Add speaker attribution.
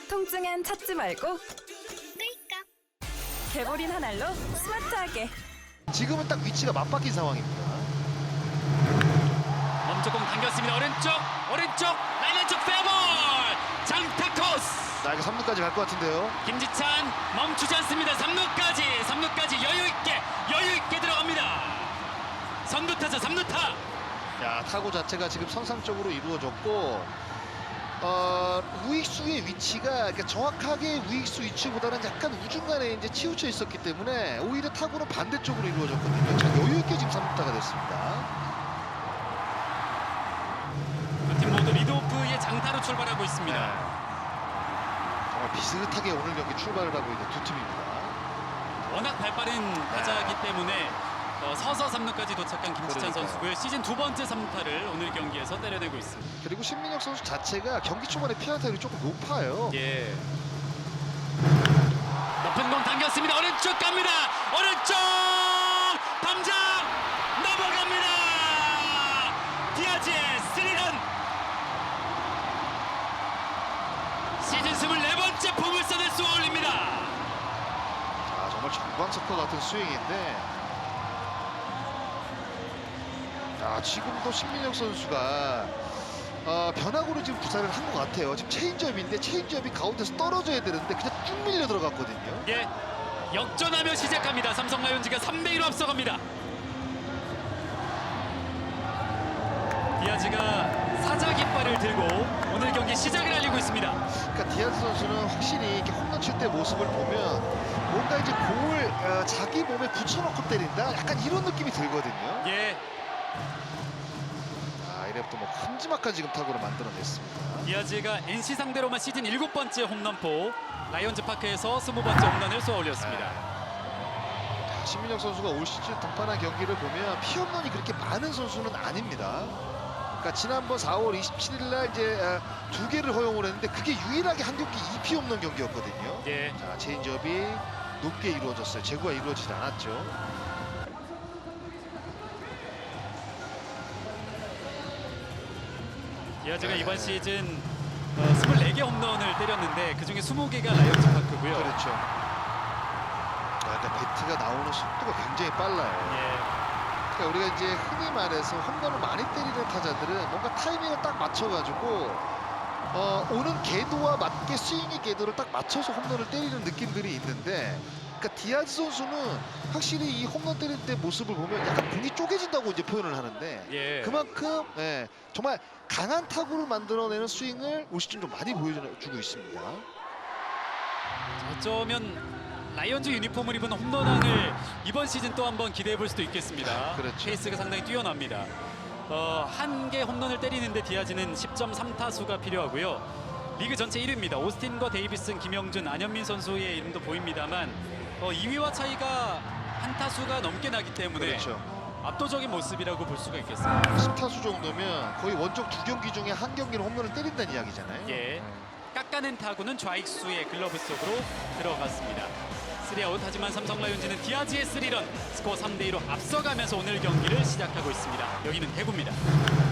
Speaker 1: 통증엔 찾지 말고 개보린 한 알로 스마트하게.
Speaker 2: 지금은 딱 위치가 맞바뀐 상황입니다.
Speaker 3: 멈춰공 당겼습니다. 오른쪽 라인 안쪽 페어볼 장타 코스.
Speaker 2: 나 이거 3루까지 갈 것 같은데요.
Speaker 3: 김지찬 멈추지 않습니다. 3루까지 여유 있게 들어갑니다. 선두타자 3루타.
Speaker 2: 야, 타구 자체가 지금 선상적으로 이루어졌고 우익수의 위치가 그러니까 정확하게 우익수 위치보다는 약간 우중간에 이제 치우쳐 있었기 때문에 오히려 타구는 반대쪽으로 이루어졌거든요. 자, 여유 있게 지금 3루타가 됐습니다.
Speaker 3: 두 팀 모두 리드오프의 장타로 출발하고 있습니다.
Speaker 2: 정말 비슷하게 오늘 경기 출발을 하고 있는 두 팀입니다.
Speaker 3: 워낙 발빠른 타자이기 때문에 서서 3루까지 도착한 김지찬
Speaker 2: 그러니까요.
Speaker 3: 선수고요. 시즌 두 번째 3루타를 오늘 경기에서 때려내고 있습니다.
Speaker 2: 그리고 신민혁 선수 자체가 경기 초반에 피안타율이 조금 높아요.
Speaker 3: 예. 높은 공 당겼습니다. 오른쪽 갑니다. 오른쪽 담장 넘어갑니다. 디아즈의 3런. 시즌 24번째 포물선을 쏘아 올립니다.
Speaker 2: 자, 정말 정광석과 같은 스윙인데 지금도 신민혁 선수가 변화구로 지금 구사를 한 것 같아요. 지금 체인지업인데 체인지업이 가운데서 떨어져야 되는데 그냥 쭉 밀려 들어갔거든요.
Speaker 3: 예, 역전하며 시작합니다. 삼성 라이온즈가 3대1로 앞서갑니다. 디아즈가 사자 깃발을 들고 오늘 경기 시작을 알리고 있습니다.
Speaker 2: 그러니까 디아즈 선수는 확실히 이렇게 홈런 칠 때 모습을 보면 뭔가 이제 공을 자기 몸에 붙여놓고 때린다. 약간 이런 느낌이 들거든요.
Speaker 3: 예,
Speaker 2: 이래부터 뭐 큼지막한 지금 타구를 만들어냈습니다.
Speaker 3: 디아즈가 NC 상대로만 시즌 7번째 홈런포, 라이온즈 파크에서 20번째 홈런을 쏘아 올렸습니다.
Speaker 2: 신민혁 선수가 올 시즌 등판한 경기를 보면 피홈런이 그렇게 많은 선수는 아닙니다. 그러니까 지난번 4월 27일 날 이제 2개를 허용을 했는데 그게 유일하게 한 경기 2피 홈런 경기였거든요.
Speaker 3: 예,
Speaker 2: 자, 체인지업이 높게 이루어졌어요. 제구가 이루어지지 않았죠.
Speaker 3: 디아즈가 이번 시즌 24개 홈런을 때렸는데 그중에 20개가 라이온즈 파크고요.
Speaker 2: 그렇죠. 그러니까 배트가 나오는 속도가 굉장히 빨라요.
Speaker 3: 예,
Speaker 2: 그러니까 우리가 이제 흔히 말해서 홈런을 많이 때리는 타자들은 뭔가 타이밍을 딱 맞춰가지고 오는 궤도와 맞게 스윙의 궤도를 딱 맞춰서 홈런을 때리는 느낌들이 있는데, 그러니까 디아즈 선수는 확실히 이 홈런 때릴 때 모습을 보면 약간 공이 쪼개진다고 이제 표현을 하는데
Speaker 3: 예.
Speaker 2: 그만큼 정말 강한 타구를 만들어내는 스윙을 올 시즌 좀 많이 보여주고 있습니다.
Speaker 3: 어쩌면 라이온즈 유니폼을 입은 홈런왕을 이번 시즌 또 한번 기대해 볼 수도 있겠습니다.
Speaker 2: 그렇죠.
Speaker 3: 페이스가 상당히 뛰어납니다. 한 개 홈런을 때리는데 디아즈는 10.3타수가 필요하고요. 리그 전체 1위입니다. 오스틴과 데이비슨, 김영준, 안현민 선수의 이름도 보입니다만 2위와 차이가 한 타수가 넘게 나기 때문에
Speaker 2: 그렇죠.
Speaker 3: 압도적인 모습이라고 볼 수가 있겠습니다.
Speaker 2: 10타수 정도면 거의 원정 2경기 중에 한 경기는 홈런을 때린다는 이야기잖아요.
Speaker 3: 예, 깎아낸 타구는 좌익수의 글러브 속으로 들어갔습니다. 3아웃. 하지만 삼성 라이온즈는 디아즈의 3런, 스코어 3대2로 앞서가면서 오늘 경기를 시작하고 있습니다. 여기는 대구입니다.